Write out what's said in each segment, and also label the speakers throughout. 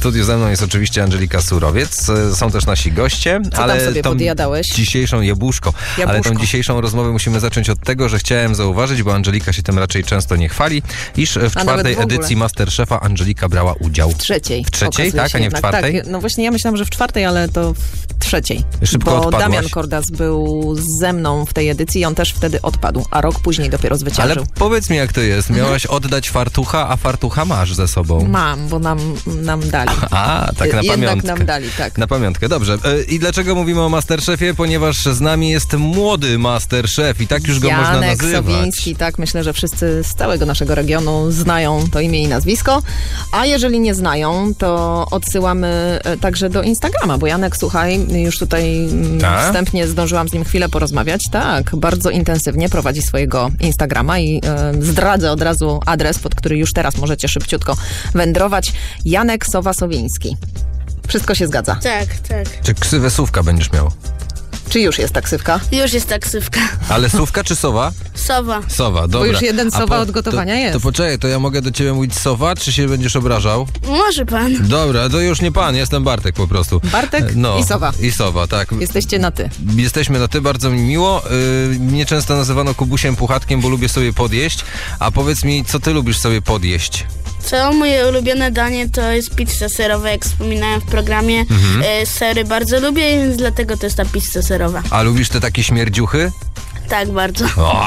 Speaker 1: studiu ze mną jest oczywiście Angelika Surowiec. Są też nasi goście.
Speaker 2: Co
Speaker 1: ale
Speaker 2: tam sobie podjadałeś?
Speaker 1: Dzisiejszą jabłuszko. Ale tą dzisiejszą rozmowę musimy zacząć od tego, że chciałem zauważyć, bo Angelika się tym raczej często nie chwali, iż w czwartej edycji Masterchefa Angelika brała udział.
Speaker 2: W trzeciej.
Speaker 1: W trzeciej, tak? A nie w czwartej?
Speaker 2: Tak, no właśnie ja myślałam, że w czwartej, ale to w trzeciej.
Speaker 1: Szybko
Speaker 2: bo
Speaker 1: odpadłaś.
Speaker 2: Damian Kordas był ze mną w tej edycji i on też wtedy odpadł, a rok później dopiero zwyciężył.
Speaker 1: Ale powiedz mi, jak to jest. Miałaś oddać fartucha, a fartucha masz ze sobą.
Speaker 2: Mam, bo nam dali.
Speaker 1: A, tak na
Speaker 2: Jednak
Speaker 1: pamiątkę.
Speaker 2: nam dali, tak.
Speaker 1: Na pamiątkę, dobrze. I dlaczego mówimy o Masterchefie? Ponieważ z nami jest młody Masterchef i tak już go można nazywać.
Speaker 2: Janek Sowiński, tak. Myślę, że wszyscy z całego naszego regionu znają to imię i nazwisko. A jeżeli nie znają, to odsyłamy także do Instagrama, bo Janek, słuchaj, już tutaj wstępnie zdążyłam z nim chwilę porozmawiać. Tak, bardzo intensywnie prowadzi swojego Instagrama i zdradzę od razu adres, pod który już teraz możecie szybciutko wędrować. Janek Sowiński. Wszystko się zgadza.
Speaker 3: Tak.
Speaker 1: Czy ksywę Sówka będziesz miał?
Speaker 2: Czy już jest taksywka?
Speaker 3: Już jest taksywka.
Speaker 1: Ale Sówka czy Sowa?
Speaker 3: Sowa.
Speaker 1: Sowa, dobra.
Speaker 2: Bo już jeden Sowa od gotowania jest.
Speaker 1: To poczekaj, to ja mogę do ciebie mówić Sowa, czy się będziesz obrażał?
Speaker 3: Może pan.
Speaker 1: Dobra, to już nie pan, jestem Bartek po prostu.
Speaker 2: Bartek i Sowa.
Speaker 1: I Sowa, tak.
Speaker 2: Jesteście na ty.
Speaker 1: Jesteśmy na ty, bardzo mi miło. Mnie często nazywano Kubusiem Puchatkiem, bo lubię sobie podjeść. A powiedz mi, co ty lubisz sobie podjeść?
Speaker 3: Co moje ulubione danie to jest pizza serowa, jak wspominałem w programie. Sery bardzo lubię, więc dlatego to jest ta pizza serowa.
Speaker 1: A lubisz te takie śmierdziuchy?
Speaker 3: Tak, bardzo.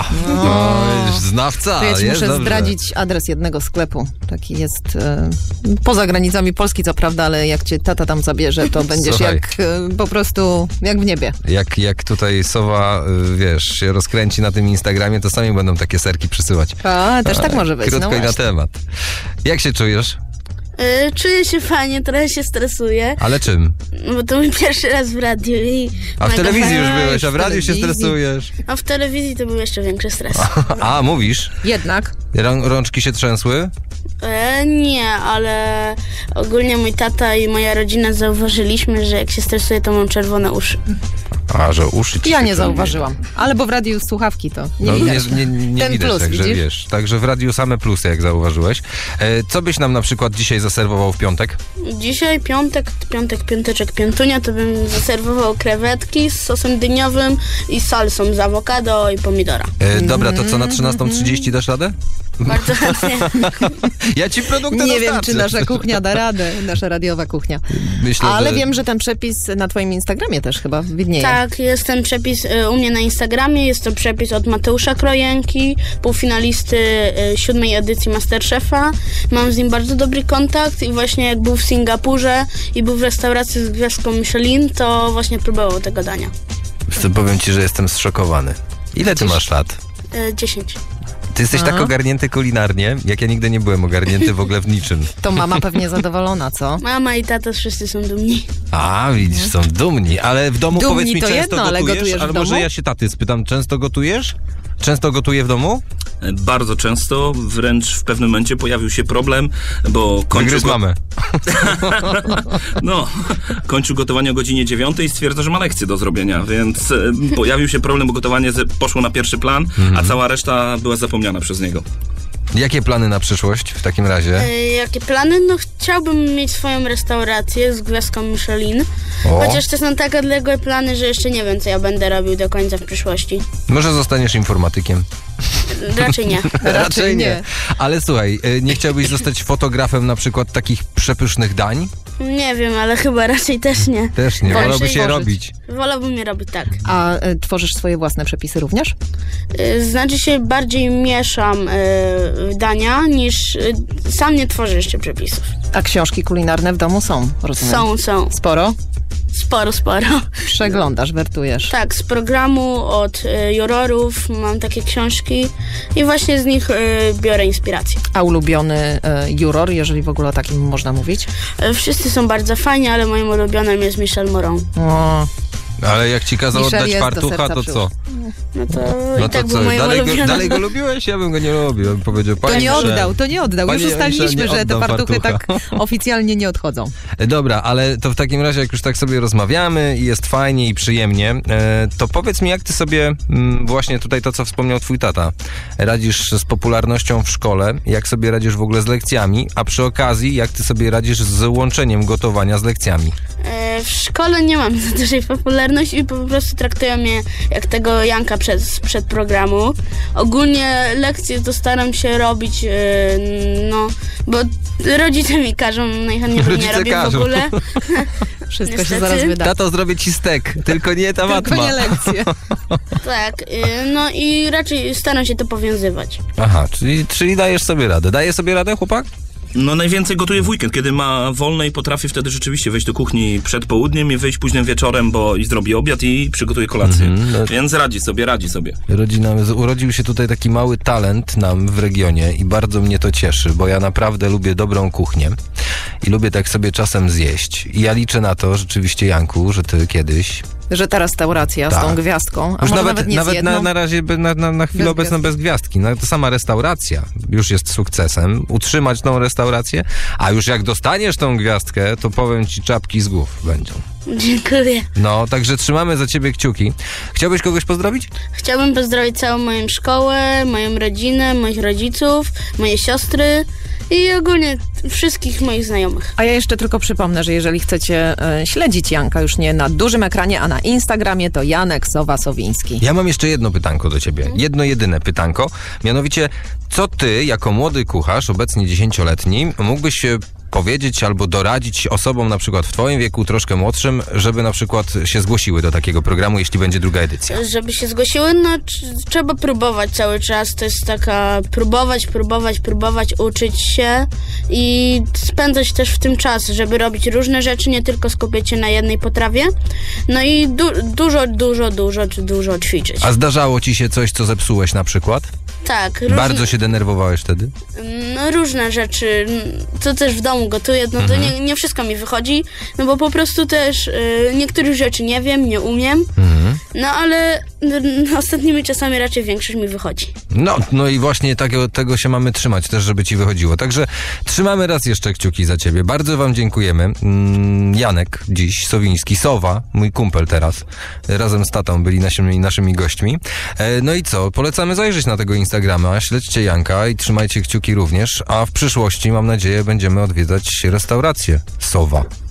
Speaker 1: Znawca,
Speaker 2: to ja ci muszę
Speaker 1: dobrze.
Speaker 2: zdradzić adres jednego sklepu. Taki jest poza granicami Polski, co prawda, ale jak cię tata tam zabierze, to będziesz
Speaker 1: Słuchaj.
Speaker 2: jak po prostu jak w niebie.
Speaker 1: Jak tutaj Sowa, wiesz, się rozkręci na tym Instagramie, to sami będą takie serki przysyłać.
Speaker 2: A, też tak może być.
Speaker 1: Krótko
Speaker 2: no
Speaker 1: i na
Speaker 2: właśnie.
Speaker 1: temat. Jak się czujesz?
Speaker 3: Czuję się fajnie, trochę się stresuję,
Speaker 1: Ale czym?
Speaker 3: bo to mój pierwszy raz w radiu i
Speaker 1: A w
Speaker 3: mega
Speaker 1: telewizji już
Speaker 3: fajnie.
Speaker 1: byłeś, a w radiu się
Speaker 2: telewizji.
Speaker 1: stresujesz.
Speaker 3: A w telewizji to był jeszcze większy stres.
Speaker 1: A, mówisz?
Speaker 2: Jednak.
Speaker 1: Rączki się trzęsły?
Speaker 3: Nie, ale ogólnie mój tata i moja rodzina zauważyliśmy, że jak się stresuję, to mam czerwone uszy.
Speaker 1: A, że uszy ci
Speaker 2: Ja
Speaker 1: się
Speaker 2: nie
Speaker 1: krębią.
Speaker 2: zauważyłam. Ale bo w radiu słuchawki to nie
Speaker 1: No,
Speaker 2: widać.
Speaker 1: nie
Speaker 2: Ten
Speaker 1: widać,
Speaker 2: plus,
Speaker 1: także
Speaker 2: widzisz?
Speaker 1: wiesz. Także w radiu same plusy, jak zauważyłeś. Co byś nam na przykład dzisiaj zaserwował w piątek?
Speaker 3: Dzisiaj piąteczek, piątunia, to bym zaserwował krewetki z sosem dyniowym i salsą z awokado i pomidora.
Speaker 1: Dobra, to co, na 13:30 dasz radę?
Speaker 3: Bardzo chętnie.
Speaker 1: Ja ci produkty
Speaker 2: Nie wiem,
Speaker 1: dostarczę.
Speaker 2: czy nasza kuchnia da radę, nasza radiowa kuchnia.
Speaker 1: Myślę,
Speaker 2: Ale
Speaker 1: że...
Speaker 2: wiem, że ten przepis na twoim Instagramie też chyba widnieje.
Speaker 3: Tak, jest ten przepis u mnie na Instagramie, jest to przepis od Mateusza Krojenki, półfinalisty 7. edycji Masterchefa. Mam z nim bardzo dobry kontakt i właśnie jak był w Singapurze i był w restauracji z gwiazdką Michelin, to właśnie próbował tego dania.
Speaker 1: Powiem ci, że jestem zszokowany. Ile ty masz lat?
Speaker 3: 10.
Speaker 1: Ty jesteś tak ogarnięty kulinarnie, jak ja nigdy nie byłem ogarnięty w ogóle w niczym.
Speaker 2: To mama pewnie zadowolona, co?
Speaker 3: Mama i tata wszyscy są dumni.
Speaker 1: A, widzisz, są dumni, ale w domu
Speaker 2: Dumni
Speaker 1: powiedz mi,
Speaker 2: to
Speaker 1: często
Speaker 2: jedno, ale gotujesz w
Speaker 1: ale
Speaker 2: domu?
Speaker 1: może ja się taty spytam, często gotujesz? Często gotuję w domu?
Speaker 4: Bardzo często, wręcz w pewnym momencie pojawił się problem, bo
Speaker 1: Wygryz mamę.
Speaker 4: kończył gotowanie o godzinie 9 i stwierdza, że ma lekcję do zrobienia, więc pojawił się problem, bo gotowanie poszło na pierwszy plan, a cała reszta była zapomniana przez niego.
Speaker 1: Jakie plany na przyszłość w takim razie?
Speaker 3: Jakie plany? No chciałbym mieć swoją restaurację z gwiazdką Michelin. Chociaż to są tak odległe plany, że jeszcze nie wiem, co ja będę robił do końca w przyszłości.
Speaker 1: Może zostaniesz informatykiem?
Speaker 3: Raczej nie.
Speaker 2: Raczej nie.
Speaker 1: Ale słuchaj, nie chciałbyś zostać fotografem na przykład takich przepysznych dań?
Speaker 3: Nie wiem, ale chyba raczej też nie.
Speaker 1: Też nie,
Speaker 2: Wolisz
Speaker 1: wolałbyś je
Speaker 2: tworzyć.
Speaker 1: robić.
Speaker 3: Wolałbym je robić tak.
Speaker 2: A tworzysz swoje własne przepisy również?
Speaker 3: Znaczy się bardziej mieszam dania niż sam nie tworzę jeszcze przepisów.
Speaker 2: A książki kulinarne w domu są, rozumiem?
Speaker 3: Są.
Speaker 2: Sporo?
Speaker 3: Sporo.
Speaker 2: Przeglądasz, wertujesz.
Speaker 3: Tak, z programu od jurorów mam takie książki i właśnie z nich biorę inspirację.
Speaker 2: A ulubiony juror, jeżeli w ogóle o takim można mówić?
Speaker 3: Wszyscy są bardzo fajni, ale moim ulubionym jest Michel Moron.
Speaker 2: O,
Speaker 1: Ale jak ci kazał
Speaker 2: Michel
Speaker 1: oddać
Speaker 2: jest do
Speaker 1: fartucha,
Speaker 2: serca
Speaker 1: to co?
Speaker 3: No to
Speaker 1: No
Speaker 3: i tak
Speaker 1: to
Speaker 3: był
Speaker 1: co,
Speaker 3: moim ulubionym.
Speaker 1: dalej go lubiłeś? Ja bym go nie lubił. Ja bym powiedział,
Speaker 2: To nie oddał. Już
Speaker 1: Panie
Speaker 2: ustaliliśmy,
Speaker 1: Jońsze, nie
Speaker 2: że te
Speaker 1: oddam
Speaker 2: fartuchy tak
Speaker 1: fartucha.
Speaker 2: oficjalnie nie odchodzą.
Speaker 1: Dobra, ale to w takim razie, jak już tak sobie rozmawiamy i jest fajnie i przyjemnie, to powiedz mi, jak ty sobie, właśnie tutaj to, co wspomniał twój tata, radzisz z popularnością w szkole, jak sobie radzisz w ogóle z lekcjami, a przy okazji, jak ty sobie radzisz z łączeniem gotowania z lekcjami?
Speaker 3: W szkole nie mam za dużej popularności i po prostu traktują mnie jak tego Janka przed programu. Ogólnie lekcje to staram się robić, bo rodzice mi każą, najchętniej bym nie robił w ogóle.
Speaker 2: Wszystko
Speaker 3: Niestety.
Speaker 2: się zaraz wyda.
Speaker 1: Tato, zrobię ci stek, tylko nie ta matma.
Speaker 2: Tylko nie lekcje.
Speaker 3: Tak, no i raczej staram się to powiązywać.
Speaker 1: Aha, czyli dajesz sobie radę. Daje sobie radę, chłopak?
Speaker 4: No najwięcej gotuję w weekend, kiedy ma wolne i potrafię wtedy rzeczywiście wejść do kuchni przed południem i wyjść późnym wieczorem, bo i zrobię obiad i przygotuję kolację. Więc radzi sobie.
Speaker 1: Urodził się tutaj taki mały talent nam w regionie i bardzo mnie to cieszy, bo ja naprawdę lubię dobrą kuchnię i lubię tak sobie czasem zjeść. I ja liczę na to rzeczywiście, Janku, że ty kiedyś...
Speaker 2: Że ta restauracja z tą gwiazdką, a
Speaker 1: już
Speaker 2: może nawet nie z jedną.
Speaker 1: na razie na chwilę obecną bez gwiazdki. No, to sama restauracja już jest sukcesem. Utrzymać tą restaurację, a już jak dostaniesz tą gwiazdkę, to powiem ci, czapki z głów będą.
Speaker 3: Dziękuję.
Speaker 1: No, także trzymamy za ciebie kciuki. Chciałbyś kogoś pozdrowić?
Speaker 3: Chciałbym pozdrowić całą moją szkołę, moją rodzinę, moich rodziców, moje siostry i ogólnie wszystkich moich znajomych.
Speaker 2: A ja jeszcze tylko przypomnę, że jeżeli chcecie śledzić Janka już nie na dużym ekranie, a na Instagramie, to Janek Sowa-Sowiński.
Speaker 1: Ja mam jeszcze jedno pytanko do ciebie. Jedno jedyne pytanko. Mianowicie, co ty, jako młody kucharz, obecnie 10-letni, mógłbyś powiedzieć albo doradzić osobom na przykład w twoim wieku, troszkę młodszym, żeby na przykład się zgłosiły do takiego programu, jeśli będzie druga edycja?
Speaker 3: Żeby się zgłosiły, no trzeba próbować cały czas. To jest taka próbować, uczyć się i spędzać też w tym czas, żeby robić różne rzeczy, nie tylko skupiać się na jednej potrawie. No i dużo ćwiczyć.
Speaker 1: A zdarzało ci się coś, co zepsułeś na przykład?
Speaker 3: Tak.
Speaker 1: Bardzo się denerwowałeś wtedy?
Speaker 3: No różne rzeczy. To też w domu gotuję, no to nie wszystko mi wychodzi, no bo po prostu też niektórych rzeczy nie wiem, nie umiem, no ale ostatnimi czasami raczej większość mi wychodzi.
Speaker 1: No i właśnie tego się mamy trzymać też, żeby ci wychodziło. Także trzymamy raz jeszcze kciuki za ciebie. Bardzo wam dziękujemy. Janek dziś, Sowiński, Sowa, mój kumpel teraz, razem z tatą byli naszymi gośćmi. No i co? Polecamy zajrzeć na tego Instagrama, śledźcie Janka i trzymajcie kciuki również, a w przyszłości, mam nadzieję, będziemy odwiedzać restaurację Sowa.